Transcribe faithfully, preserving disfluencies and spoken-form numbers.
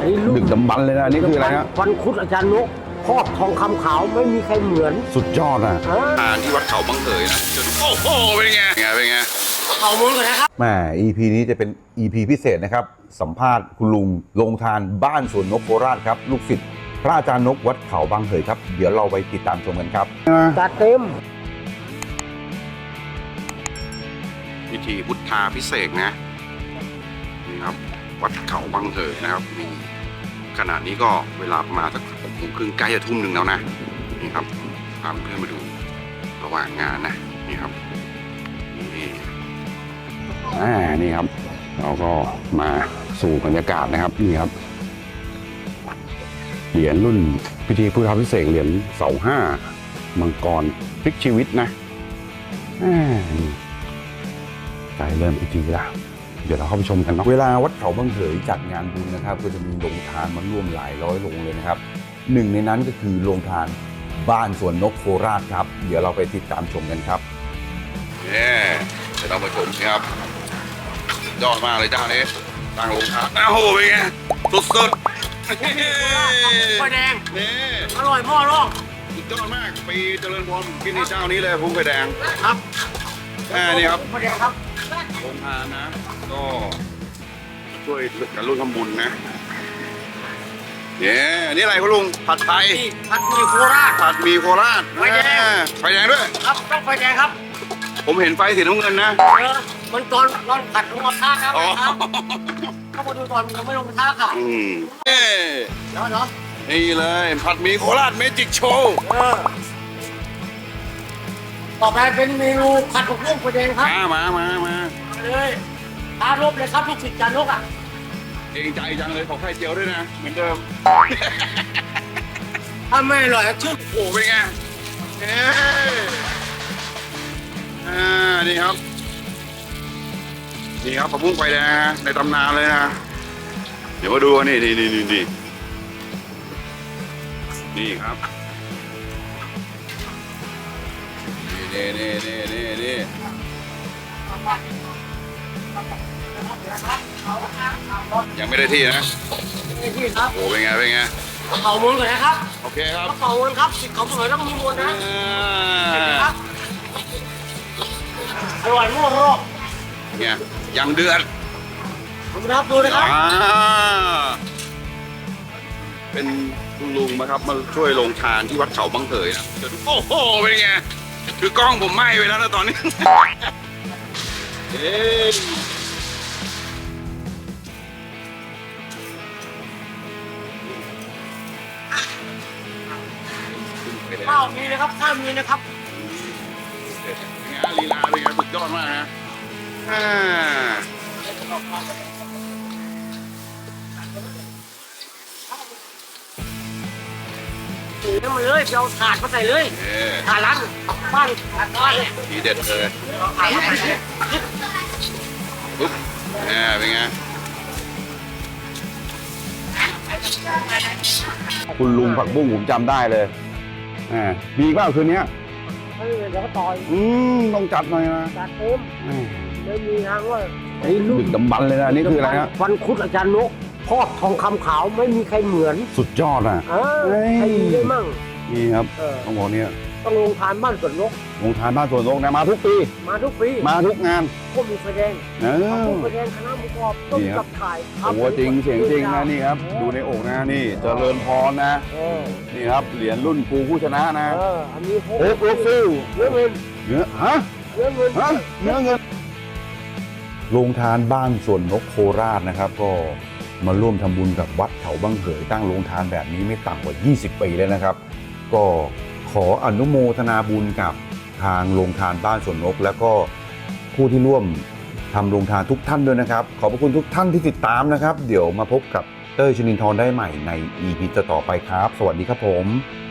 ดึกดำบรรพ์เลยนะนี่คืออะไรฮะฟันคุดอาจารย์นกครอบทองคำขาวไม่มีใครเหมือนสุดยอดอ่ะอ่านที่วัดเขาบังเขยนะโอ้โหเป็นไงเป็นไงเป็นไงเขามุ้งกันนะครับแม่ อี พี นี้จะเป็น อี พี พิเศษนะครับสัมภาษณ์คุณลุงลงทานบ้านสวนนกโคราชครับลูกศิษย์พระอาจารย์นกวัดเขาบางเขยครับเดี๋ยวเราไปติดตามชมกันครับจัดเต็มพิธีพุทธาพิเศษนะนี่ครับวัดเขาบางเขยนะครับนี่ขณะนี้ก็เวลาประมาณสักหกโมงครึ่งใกล้จะทุ่มหนึ่งแล้วนะนี่ครับพาเพื่อนมาดูระหว่างงานนะนี่ครับนี่อ่านี่ครับเราก็มาสู่บรรยากาศนะครับนี่ครับเหรียญรุ่นพิธีพุทธาพิเศษเหรียญเสาห้ามังกรพลิกชีวิตนะอ่าใกล้เริ่มพิธีแล้วเดี๋ยวเราเข้าไปชมกันเนาะเวลาวัดเขาบางเขยจัดงานบุญนะครับก็จะมีโรงทานมาร่วมหลายร้อยโรงเลยนะครับหนึ่งในนั้นก็คือโรงทานบ้านสวนนกโคราชครับเดี๋ยวเราไปติดตามชมกันครับเนี่ยเดี๋ยวเรามาชมครับยอดมากเลยเจ้านี้ตั้งโรงทานอ้าวโหเป็นไงสุดๆไฟแดงนี่อร่อยพ่อรองสุดยอดมากปีเจริญพรกินที่เจ้านี้เลยพุ่งไฟแดงครับอ่านี่ครับไฟแดงครับโรงทานนะก็ช่วยกันร่วมทำบุญนะเนี่ยนี่อะไรคุณลุงผัดไทยผัดหมี่โคราชผัดหมี่โคราชไฟแดงไฟแดงด้วยครับต้องไฟแดงครับผมเห็นไฟสีน้ำเงินนะเออมันตอนตอนผัดลงมาท่าครับเข้ามาดูตอนยังไม่ลงท่าค่ะอืมเอ๊ะแล้วเนาะนี่เลยผัดหมี่โคราชเมจิกโชว์ต่อไปเป็นเมนูผัดผักบุ้งไฟแดงครับมามามาเลยตามรบเลยครับลูกศิษย์จานนกอ่ะเองใจจังเลยขอไข่เจียวด้วยนะเหมือนเดิมถ้าไม่อร่อยชื่อโอ้เป็นไงเอ๊อ่านี่ครับนี่ครับผักบุ้งไฟแดงในตำนานเลยนะเดี๋ยวมาดูนี่นี่นี่นี่นี่นี่ครับนี่นี่นี่นี่นี่ยังไม่ได้ที่นะที่ครับโอ้เป็นไงเป็นไงเขาม้วนก่อนนะครับโอเคครับเขาม้วนครับสิเขาสวยต้องมีม้วนนะอร่อยมากเลยเนี่ยยังเดือดผมรับดูเลยครับเป็นคุณลุงนะครับมาช่วยลงทานที่วัดเขาบางเขยนะโอ้โหเป็นไงคือกล้องผมไหม้ไปแล้วนะตอนนี้เอ๊ะข้าวมีนะครับข้าวมีนะครับงานลีลาเป็นไงสุดยอดมากนะอ่าถือมาเลยเอาถาดมาใส่เลยถาดร้านบ้านถาดน้อยทีเด็ดเลยปุ๊บอ่าเป็นไงคุณลุงผักบุ้งผมจำได้เลยอ่ามีเปล่าคืนนี้เดี๋ยวก็ต่อยอืมต้องจัดหน่อยนะจัดเต็มไม่มีทางว่าดึกดำบรรพ์เลยนะนี่คืออะไรฮะฟันคุดอาจารย์นกครอบทองคำขาวไม่มีใครเหมือนสุดยอดอ่ะใครมีได้มั่งนี่ครับต้องบอกเนี่ยต้องลงทานบ้านสวนนกลงทานบ้านสวนนกนะมาทุกปีมาทุกปีมาทุกงานก็มีไฟแดงเออไฟแดงคณะหมูกรอบต้มกับไข่โอ้จริงเสียงจริงนะนี่ครับดูในอกนะนี่เจริญพรนะนี่ครับเหรียญรุ่นครูผู้ชนะนะอันนี้โอ๊คโอ๊คฟิลเนื้อเงินเนื้อฮะเนื้อเงินฮะเนื้อเงินโรงทานบ้านสวนนกโคราชนะครับก็มาร่วมทำบุญกับวัดเขาบางเขยตั้งโรงทานแบบนี้ไม่ต่ำกว่ายี่สิบปีแล้วนะครับก็ขออนุโมทนาบุญกับทางโรงทานบ้านสวนนกแล้วก็ผู้ที่ร่วมทำโรงทานทุกท่านด้วยนะครับขอบพระคุณทุกท่านที่ติดตามนะครับเดี๋ยวมาพบกับเต้ย ชนินทร์ได้ใหม่ใน อี พี ต่อไปครับสวัสดีครับผม